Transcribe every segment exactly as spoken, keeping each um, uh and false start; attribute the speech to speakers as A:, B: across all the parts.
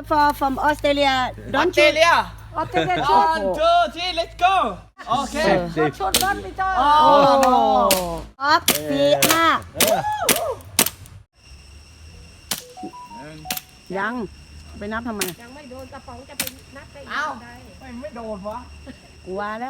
A: Mister Four from Australia don't shoot
B: Australia
C: ออสเตรเลีย
B: one two three let's go โอเค
C: ชนรถไปจ้า
B: โอ้
A: ออกสี่ห้ายังไปนับทำไม
C: ยังไม่โดนกระป๋องจะเป็นนักได้ยั
B: เอ้าง
C: ไง
B: ไม่ไม่โดนวะ
A: กลัวแล้ว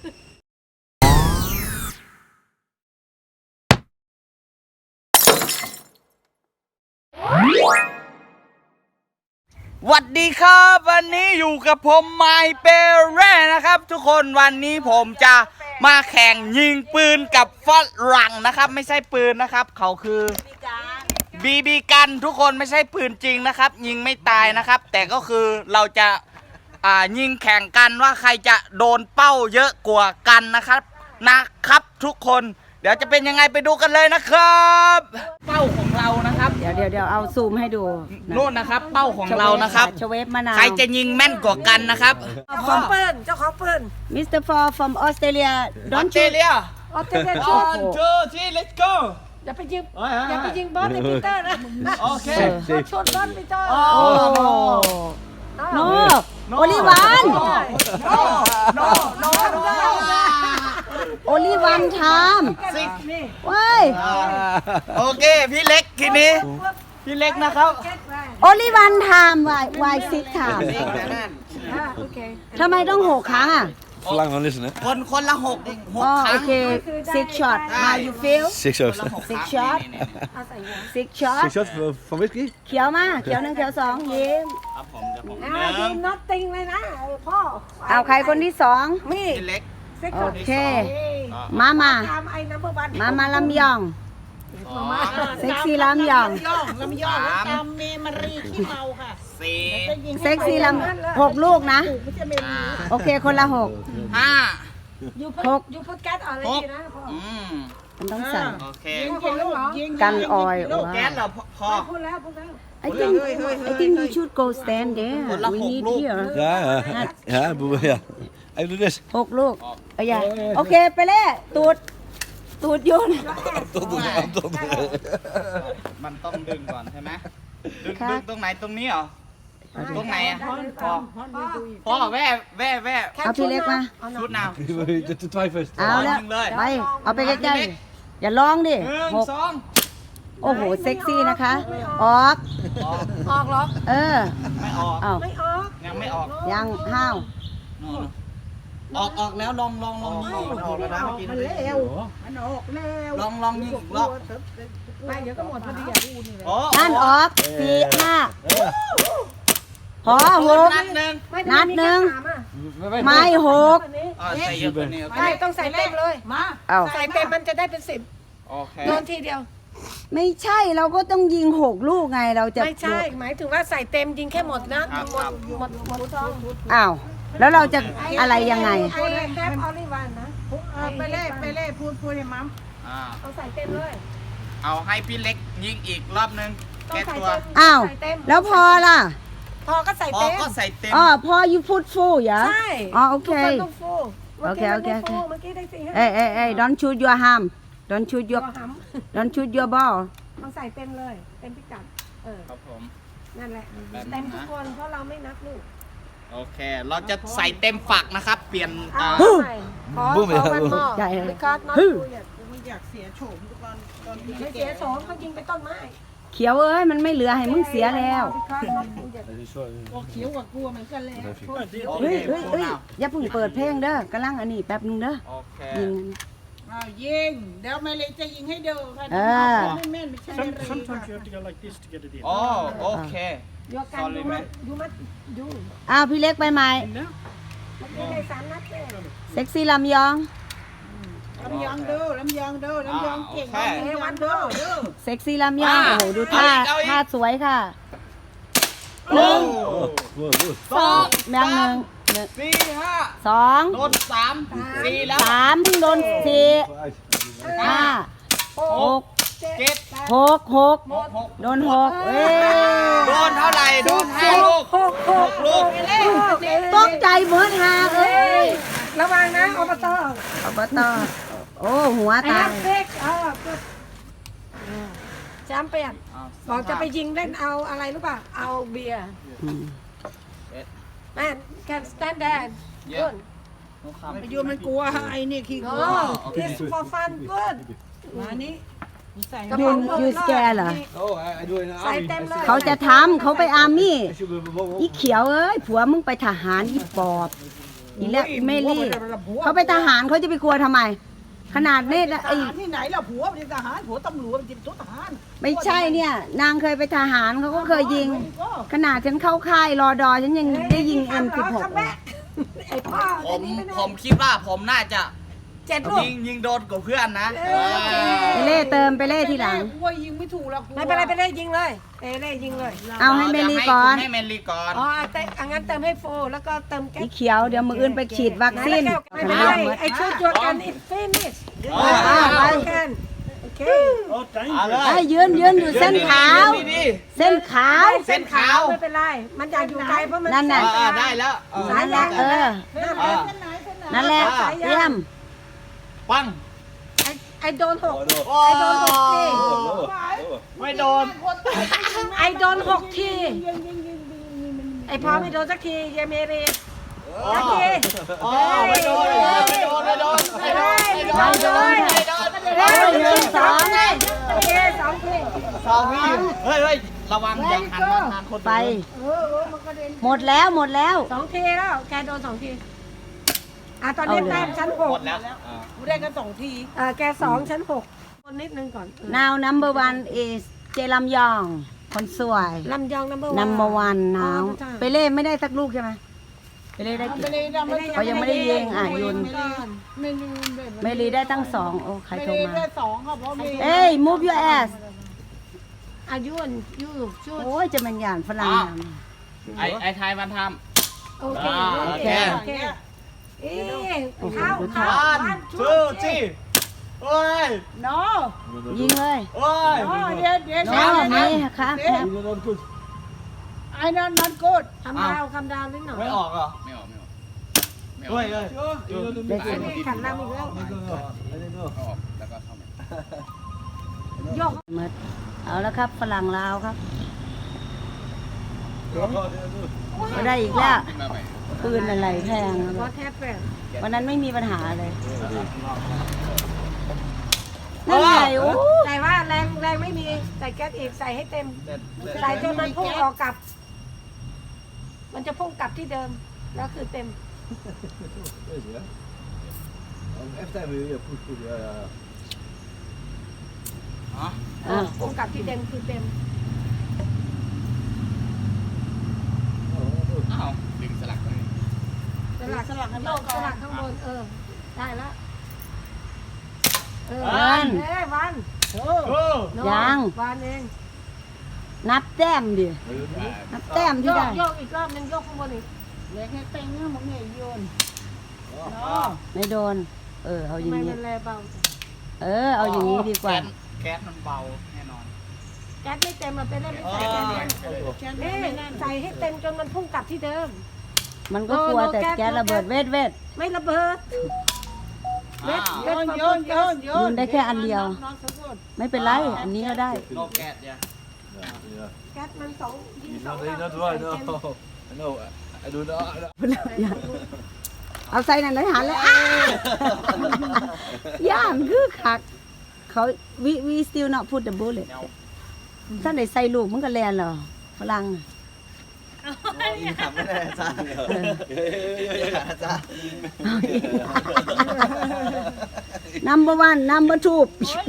B: สวัสดีครับวันนี้อยู่กับผมไมเปเร่นะครับทุกคนวันนี้ผมจะมาแข่งยิงปืนกับฝรั่งนะครับไม่ใช่ปืนนะครับเขาคือบีบีกันทุกคนไม่ใช่ปืนจริงนะครับยิงไม่ตายนะครับแต่ก็คือเราจะอ่ายิงแข่งกันว่าใครจะโดนเป้าเยอะกว่ากันนะครับนะครับทุกคนเดี๋ยวจะเป็นยังไงไปดูกันเลยนะครับเป้าของเรานะครับ
A: เดี๋ยวเดี๋ยวเดี๋ยวเอาซูมให้ดูะ
B: นู่นนะครับเป้าของเรานะครับ
A: ชเวฟมะนาว
B: ใครจะยิงแม่นกว่ากันนะครับ
C: เจ้าของปืนเจ้าของปืน
A: มิสเตอร์ Four from Australia
B: ออ
A: don't
B: สเตร
A: shoot
B: เลีย
C: ออสเตรเลียชน
B: one two three let's go
C: อย่าไปยิง
B: เฮ้ยเฮ้ย
C: อย่าไปยิงบอสในปีเตอร์นะ
B: โอเค
C: ชนรถไปจ้า
B: โอ้
A: โนโอลิวัน
B: โนโนโนโน
A: โอลิวันไทม์
B: สิก
A: ว้าย
B: โอเคพี่เล็กทีนี้พี่เล็กนะครับ
A: โอลิวันไทม์วายวายซิกไทม์
C: อ่าโอเค
A: ทำไมต้องหกครั้งอ่ะ
D: Verlang van listen, hè?
B: คนคนละหกหก
A: อ๋อ
B: ครั้
A: โอง เค six shot how you feel
D: Six shots.
A: six shot
C: เอาใส่หัว
A: six shot
D: Six shots van- van whisky?
A: เขียวมาเขียวหนึ่งเขียวสองยิ้ม
B: ครับผมเดี๋ยวผม
C: อ่า
B: ห
C: ยิ
B: นึ่ง
C: งน็อตติงเลยนะพ่อ
A: เอาใครคนที่สอง
C: มี
B: พี่เล็ก
C: เซ็ก
A: โอ
C: ซ์
A: เค มามา
C: ตามไอ้นัมเบอร์วัน
A: มามาลำยอง
B: สอง
A: เซ็กซี่ลำยอง
C: ลำยอง
B: สาม
C: ตามเมมารีขี้เมาค่ะ
B: สี่
A: เซ็กซี่ลำหกลูกนะ
C: ไม่ใช่เมรี
A: โอเคคนละหก
B: ห้า
C: ยูพุ
A: ห
C: ท
A: ก
C: ยูพุทแก๊สอะไรดีนะพ่อ
B: อืม
A: มันต้องใส่
B: โอเค
C: ยิงกี่ลูกเหรอ
A: กันออย
B: ลูกแก๊สเหราพอ
C: พูดแล้วพูดแล้ว
A: I think I think you should go stand there
B: คนละ
A: we
B: หก
A: need
B: ลูก
A: here
D: Ja, ja. Ja, boe- ja. Even doen dit.
A: หกลูกเอาอย่าโอเคไปเล่ตูดตูดโยน
D: Tot doen, tot doen.
B: มันต้องดึงก่อนใช่ไหมดึง
A: ครับ
B: ดึงตรงไหนตรงนี้เหรอตรงไหนอ่ะ
C: พ่อ
B: พ่อพ่อแว่แว่แว่
A: เอาพี่เล็กมา
B: ชุดนาว
D: De de twijfels.
A: เอาแล้ว
B: ยิงเลย
A: ไปเอาไปใกล้ๆอย่าลองดิ
B: หนึ่ง
A: หก
B: สอง
A: โอ้โหเซ็กซี่นะคะ ออก
B: ออก
C: ออกเหรอ
A: เออ
B: ไม่ออก
A: เอา
C: ไม่ออก
B: ยังไม่ออก
A: ยังห้าว
B: นู่นออกออกแล้วลองลองลองยิงมันออกแล้วนะเมื่อกี้
C: มันเร็วมันออกเร็ว
B: ลองลองยิงอีกรอบ
C: ไปเดี๋ยวก็หมดพอดีอ่ะ
B: โอ้
A: นั่นออกสี่ห้าพอหก
B: นัดหนึ่ง
A: นัดหนึ่ง ไม่หก
B: อ๋อใส่เยอะกว่านี้โอเค
C: ใช่ต้องใส่เต็มเลยมา
A: เอา
C: ใส่เต็มมันจะได้เป็นสิบ
B: โอเค
C: โดนทีเดียว
A: ไม่ใช่เราก็ต้องยิงหกลูกไงเราจะ
C: ไม่ใช่ หมายถึงว่าใส่เต็มยิงแค่หมดนะหมดหมดหมดซอง
A: อ้าวแล้วเราจะอะไรยังไง
C: ไอ้แฮปออลิวันนะไปเล่ไปเล่พูดพูดให้มัม
B: อ่า
C: เอาใส่เต็มเลย
B: เอาให้พี่เล็กยิงอีกรอบนึง
C: ต้อง
B: แก้
C: ใส่
B: ตัว
C: เต็ม
A: อ้าว
C: ใส่เต็ม
A: แล้วพอล่ะ
C: พอก็ใส่
B: พอ
C: เต็ม
B: ก็ใส่เต็ม
A: อ๋อพอ you put full อย่า
C: ใช่
A: อ๋อโอเค
C: ทุกนต้องฟู
A: โอเคโอเคโอเค
C: เมื่อกี้ได้สี่ห้า
A: เอ้ยเอ้ยเอ้ย don't shoot your ham don't shoot
C: ตัว
A: your
C: ห
A: don't shoot your ball
C: ำต้องใส่เต็มเลย เต็มพิกัด เออ
B: ครับผม
C: นั่นแหละ
B: แบบนั้นนะ
C: เต็มทุกคนเพราะเราไม่นับลูก
B: โอเค เราจะใส่เต็มฝักนะครับ เปลี่ยน
C: เอา
B: อ่า
C: ใหม่ขอ
D: บูม
C: ขอวันหม้อ
A: ใหญ่เลย
C: ไม่คัดน็อต
A: ฮึ่
C: ดูอย่าไม่อยากเสียโฉมตอนตอนไม่เสียโฉมเขายิงไปต้นไม้
A: เขียวเอ้ยมันไม่เหลือให้มึงเสียแล้ว
C: เขียวกว่ากลัวเหมือนกันเลย
B: โอ
A: เฮ้
B: เค
A: ยเฮ้ยเฮ้ยอย่าเพิ่งเปิดเพลงเด้อกำลังอันนี้แป๊บนึงเด้อ
B: โอเค
A: ยิง
E: อ้าวยิงเดี๋ยวแม่เล็กจะยิงให้ดูค่ะ
A: เออ
E: ไม่แม่นไม่ใช่แม่เล็ก
F: Sometimes you have to go like this to get it in.
B: โอ้โอเค
C: ยกกันดูมัดดูมัดดู
A: อ้าวพี่เล็กไปไหม
F: In now?
C: เมื่อกี้ได้สามนัดเลย
A: เซ็กซี่ลำยอง
E: ลำยองดูลำยองดูลำยองเก่งลำยองดูดู
A: เซ็กซี่ลำยองโอ้โหดูท่าท่าสวยค่ะหนึ่ง
D: Goed, goed.
A: สองแบงค์หนึ่งหนึ่ง
B: สี่ห้า
A: สอง
B: โดนสามสี่แล้ว
A: สามเพิ่งโดนสี่ห้าหก
B: เจ็ด
A: หกหก
B: หก
A: โดนหกเอ้ย
B: โดนเท่าไหร่ โดนห้าลูก
C: หกหก
B: ลูก
A: ตกใจเหมือนหาเอ้ย
C: ระวังนะอบต
A: อบตโอ้หัว
C: ไอ้
A: ตา
C: ฮั
A: ย
C: กเซ็กเออจำเปลี่ยนบอกจะไปยิงเล่นเอาอะไรรู้ป่ะเอาเบียร์
A: อืม
E: Man can stand there good
C: ประโยชน์มันกลัวไอ้นี่ขี้กลัว
E: no this for fun good
C: มานี่ใส่
E: กระ
A: ยู
E: เป๋า
A: น
E: เงิน
A: ยูสแกเหรอ
D: Oh, I, I do it in the
E: ใส่
D: army.
E: เต็มเลย
A: เขาจะทำเขาไปอาร์มี่
D: I should be a
A: อีเขียวเอ้ยผัวมึงไปทหารอีปอบอีแล้วอีเมลี่เขาไปทหารเขาจะไปกลัวทำไม ขนาดนี่
C: ท
A: ไอ้
C: หารที่ไหนล่ะผัวเป็นทหารผัวตำรวจเป็นทหาร
A: ไม่ใช่เนี่ย นางเคยไปทหารเขาก็เคยยิง ขนาดฉันเข้าค่ายรอดอฉันยังได้ยิง เอ็ม สิบหก
E: ไอ้พ่อ
B: ผม
E: ไอ้นี่ไม่ได้
B: ผมคิดว่าผมน่าจะ
E: เจ็ดลูก
B: ยิงยิงโดนกับเพื่อนนะ
E: เออโอเค
A: ไปเล่เติมไปเล่ทีหลัง
C: กลัวยิงไม่ถูกแล้วกลัว
E: ไม่เป็นไรไปเลยยิงเลยเอ้เลยยิงเลย
A: เอาให้เมลี่ก่อน
B: ให้เมลี่ก่อน
E: อ๋อเต้อังั้นเติมให้โฟแล้วก็เติมแก๊
A: อี
E: ส
A: เขียวเดี๋ยวมืออื่นไปฉีดวัคซีน
E: ไม่เป็นไรไอ้ชุดจวดกัน it finish
B: อ๋อ
E: ไปกันโอเค
F: Oh, thank
B: เอา
F: you.
B: เลย
A: ไอ้ยืนยืนอยู่เส้นขาว
B: ดี
A: เส้นขาว
B: เส้นขาว
E: ไม่เป็นไรมันอยากอยู่ไกลเพราะมัน
A: นั่นน่ะ
B: ๆอ่าได้แล้วเออ
E: สายยาง
A: เออ
B: อ่า
A: นั่นแหละเยี่ยม
B: ปัง
E: ไอ้ไอ้โดนหก
B: โอ้
E: ไอ้โดนหกที
B: ไม่โดน
E: ไอ้โดนหกทีไอ้พอไม่โดนสักทีเยเมรีสักที
B: อ๋อไม่โดนไม่โดนไม่โดนไม่โดนไม่โดนไม่โดนไม่โดน
E: เฮ้ยหนึ่งสองไงโอเคสองที
B: สองพี่เฮ้ยเฮ้ยระวังอย่าหันมาทางคน
A: ไป หมดแล้วหมดแล้ว
E: สองทีแล้วแกโดนสองทีอ่ะตอนนี้แต้มชั้นห
B: หม
E: ก
B: ดแล้ว
C: กูได้กันสองที
E: เออแกสองชั้นหกคนนิดนึงก่อน
A: now number one is เจลำยอง คนสวย
E: ลำยอง number one
A: number one น้อง
E: อ๋อใช่
A: ไปเล่ไม่ได้สักลูกใช่ไหมไปเล่ได้กี่
C: ไม่ได้ดำไม่
A: เขายังไม่ได้ยิงอ่ะยุน
C: ไม่ได้
A: เมลีได้ตั้งสองโอ้ใคร
C: ไม่
A: โทร
C: ได้
A: มา
C: ได้สองครับเพราะมี
A: เอ้ย move your ass
E: อายุนยูชุด
A: โอ้ยจะเป็นอย่างฝรั่ง
B: ไอ้ไอ้ไทยมันท
E: โอเค
B: อ่า
E: โอเค
B: โอ
E: โอ
B: เค
E: เคเอ๊ะเข้า
B: ำ
E: เข้า
B: วัน
E: วัน
B: ทูจีโอ้ย
C: เนาะ
A: ยิงเลย
B: โอ้ย
C: อ๋อเดี๋ยวเดี๋ยว
A: น้องนี่ครับครับ
D: You're not good.
C: ไอ้นั่นนั่นกูด
E: คำดาวคำดาวนิดหน่อย
B: ไม่ออกเหรอ
G: ไม่ออกไม่ออกไม่ออก
B: เฮ้ยเฮ้ย
D: You're not
A: ได้
D: good.
A: สิ
E: อันนี้ขันลำอีกแล้ว
D: I don't know. I don't know.
G: เข้าออกแล้วก็เข้ามา
E: โยก
A: หมดเอาแล้วครับฝรั่งลาวครับ ก็ได้อีกแล้ว
G: ขึ้นมาใหม่
A: ปืนอะไรแพง
E: วอทแทปเป็น
A: วันนั้นไม่มีปัญหาเลยนั่นไงโอ้
E: แต่ว่าแรงแรงไม่มีใส่แก๊สอีกใส่ให้เต็ม ใส่จนมันพุ่งออกกลับ มันจะพุ่งกลับที่เดิม แล้วคือเต็ม
D: Yes, yeah. Every time we yeah, push, push, yeah, yeah.
A: อ่ะ
E: พุ่งกลับที่เดิมคือเต็ม
G: อ้าวดึงสลักเลย
E: สลักสลักโยกสลักข้างบน เออ ได้แล้ว เออ
A: วัน
E: เอ้ยวัน
B: โอ้
E: โน่
A: ยัง
E: วันเอง
A: นับแต้มดิ นับแต้ม
E: โย
A: ที่
E: ก
A: ได้
E: โยกอีกรอบนึงโยกข้างบนอีก
C: เล็กให้เต็งนะมึงเนี่ยโยน
A: ไม่โดน เออ เอาอ
E: ทำ
A: ย่าง
E: ไม
A: นี้
E: มันแลเบาจัง
A: เออ เอาอย่างนี้ดีกว่า
B: แก๊สมันเบาแน่นอน
E: แก๊สไม่เต็มมันเป็นได้ไม่ใส่แก๊สเต็มนี่ใส่ให้เต็มจนมันพุ่งกลับที่เดิม
A: มันก็กลัวแต่แก๊สระเบิดเวทเวท
E: ไม่ระเบิดเม็ด
C: โย
E: เม็ด
C: นโยนโยนโย
A: ยื
C: น
A: นได้แค่อันเดียว ไม่เป็นไร อันนี้ก็ได้
B: โนแก๊สเนี่ย
D: Yeah, yeah.
E: แก๊สมันสองยิง
D: He's
E: สอง
D: not, he's not
E: รอบ
D: right,
E: ใส่เต็ม
D: no. I know. I do not.
A: เอาใส่หนังเลยหันเลยอ้าย่านคือคัก เขา we we still not put the bullet ถ้าได้ใส่ลูกมันก็แลนเหรอฝรั่ง
B: ยิงขับไม่ได้จ้าจ้า
A: number one number two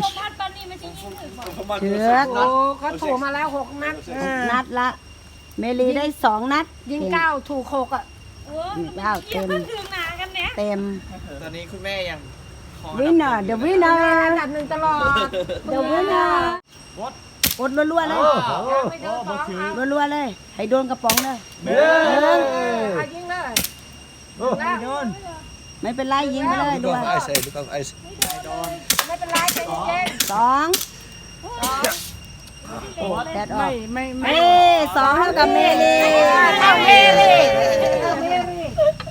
A: เถือก
E: โอ้เขาถูกมาแล้วหกนัด
A: นัดละ เมลีได้สองนัด
E: ยิงเก้าถูกหกอ่ะ
A: ยิงเก้าเต็มเต็ม
B: ตอนนี้คุณแม่ยังคอ
A: winner the
E: อั
A: winner
E: นดับหนึ่งตลอด
A: the winner กดรัวๆเลย
E: ไม่โดนสองเอา
A: รัวๆเลย ให้โดนกระป๋องเลย
E: เอายิงเลยแล้ว
C: โยน
A: ไม่เป็นไรยิงไปเลยรัว
D: Look off ice, hey, look off ice.
E: ไม่เป็นไรใจเย็น
A: สองโอ้แดดออก
C: ไม่ไม่
A: เอ้สองเท่ากับเมลี
E: เท่าเมลีเท่าเมลี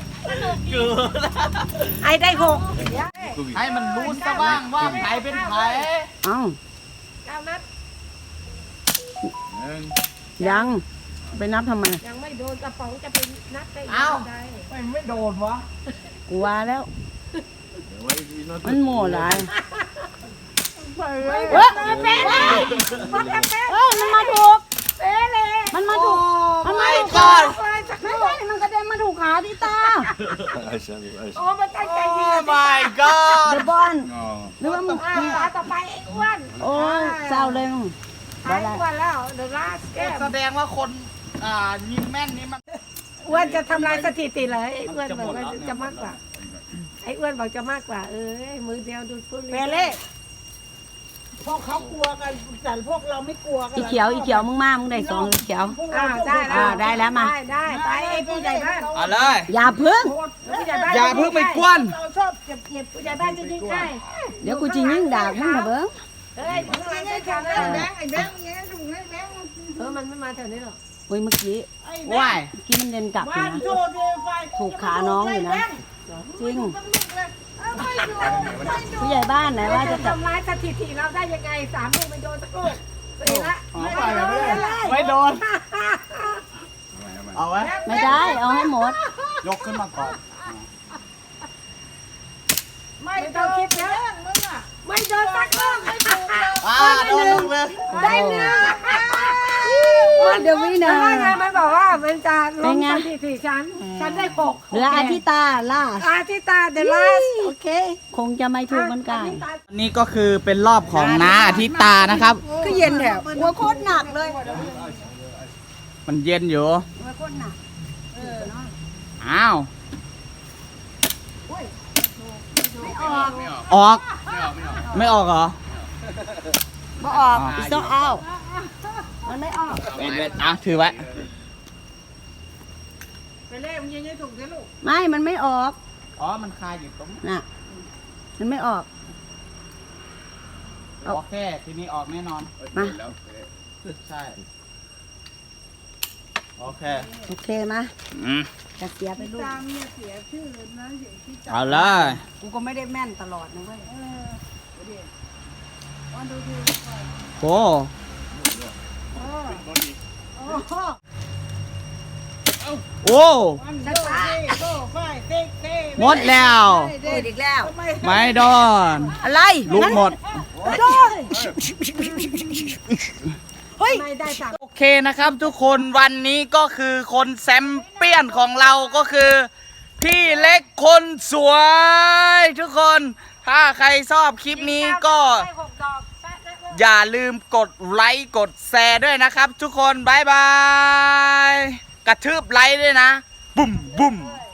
E: ไอได้หก
B: ให้มันรู้ซะบ้างว่าใครเป็นใคร
A: เอ้า
E: เก้านัด
A: ยังไปนับทำไม
E: ยังไม่โดนกระป๋องจะไปนัดได้อีก
B: เอ้า
E: ได้
B: ไม่ไม่โดนวะ
A: กูว่าแล้ว
D: Why is he not
A: มันโม่หลาย
E: เฮ้
A: เฮ้
E: ย
A: ย
E: เป๊ะเลยมันเป๊ะ
A: เฮ้ยมันมาถูก
E: เป๊ะเลย
A: มันมาถูก มันมาถูก
B: ก่อน
E: เลยสัก
A: ไม่
E: ลูก
A: ใช่มันกระเด็นมาถูกขาที่ตา
D: I shall, I
E: โอ้
D: shall.
E: มันตั้งใจยิง
B: โอ้
E: อะ
B: my god
A: เดบอล
G: อ๋อ
A: หรือว่ามึง
E: อ่า
A: นี่
E: ตาต่อไปไอ้อ้วน
A: โอ้ยเศร้าเลยมึง
E: ไอ้อ้วนแล้วเดอะลาสแกม
B: แสดงว่าคนอ่ายิงแม่นนี่มัน
E: อ้วนจะทำลายสถิติเลยไอ้อ้วนบอกว่าจะมากกว่า ไอ้อ้วนบอกจะมากกว่า เอ้ยมือเดียวดูดฟุ้น
C: เปเล่พวกเขากลัวกันแต่พวกเราไม่กลัวกัน
A: อีเขียวอีเขียวมึงมามึงได้สองอีเขียว
C: พวก
E: อ่า
C: เรา
E: ได้
A: อ่าได้แล้วมา
E: ได้ได้ไปไอ้ผู้ใหญ่บ้าน
B: เอาเลย
A: อย่าพึ่ง
E: ผู้ใหญ่บ้าน
B: อย่าเพิ่งไปกวน
C: เราชอบเก็บเก็บ
E: ผู้ใหญ่บ้านจะยิงใกล้
A: เดี๋ยวกูจะยิงดากมึงเถอะเบิ้ง
E: เฮ้ยมึงอะไร
C: ไอ้
E: ใช่
C: แบ
E: ทำ
C: ง
E: ได้
C: ค์ไอ้แบงค์เงี้ยถุงไอ้แบงค์
E: เออมันไม่มาแถวนี้หรอก
A: เฮ้ยเมื่อกี้
C: ไอ้แบ
B: ว่าง ย
C: ค์
A: เมื่อกี้มันเดินกลับอยู่
C: วัน
A: นะ
C: โจเดไฟ
A: ถูกขาน้องอยู่นะ จริง
C: ไม่ดูไม่ดู
A: ผู้ใหญ่บ้านไหนว่าจะจับ
E: ทำลายสถิติเราได้ยังไงสามลูกไม่โดนสักลูกสี่ละ
B: ไม่โดนไม่โดน เอาไว้
A: ไม่ได้ เอาให้หมด
B: ยกขึ้นมาก่อน
C: ไม่ต้องคิดเยอะมึงอ่ะ
E: ไม่โดนสักลูกไม่ถูก
B: อ่าโดนลูกเลย
E: ได้หนึ่ง
A: เดี๋ยววินา
E: แต่ว่าไงมันบอกว่ามันจะล
A: เป็น
E: ง
A: ไง
E: สถิติฉันฉันได้หก
A: เหลืออาทิตาล่า
E: อาทิตาเดลัสโอเค
A: คงจะไม่ถูกเหมือนกัน
B: นี่ก็คือเป็นรอบของน้าอาทิตานะครับ
A: ก็เย็นแถวหัวโคตรหนักเลย
B: มันเย็นอยู่
A: หัวโคตรหนัก
B: อ้าว
A: ไม่ออก
G: ไม่ออก
B: ออก
G: ไม่ออก ไม่ออก
B: ไม่ออกเหรอ
A: ไม่ออกอีกต้องเอามันไม่ออก
B: เว้นเว้นอ่ะถือไว้
C: ไปเล่มึงยิงให้ถูกนะลูก
A: ไม่ มันไม่ออก
B: อ๋อ มันคาอยู่ตรง
A: น่ะ มันไม่ออก
B: โอเค ทีนี้ออกแน่นอน
A: มา
G: แล้ว
B: ใช่ โอเค
A: โอเคมา
B: อืม
A: จะเสียไปลูก
C: ตามเนี่ยเสียชื่อนะเสียที่จับ
B: เอาเลย
A: กูก็ไม่ได้แม่นตลอดนะเว้ย
C: วันดูดี
B: โอ้
C: โอ้โห
B: โอ้
C: วันดูดีโก้ไฟเซ็กเซ่
B: หมดแล้ว
A: เด็ดอีกแล้ว
B: ไม่โดน
A: อะไร
B: ลูกหมด
A: โดนเฮ้ย
E: ไม่ได้สั่ง
B: โอเคนะครับทุกคนวันนี้ก็คือคนแชมเปี้ยนของเราก็คือ พี่เล็กคนสวย ทุกคน ถ้าใครชอบคลิปนี้ก็
E: ได้หกดอกแป๊ะแป๊ะแป๊ะ
B: อย่าลืมกดไลค์กดแชร์ด้วยนะครับทุกคน บ๊ายบาย กระทืบไลค์ด้วยนะ บุ้มบุ้ม
E: เลย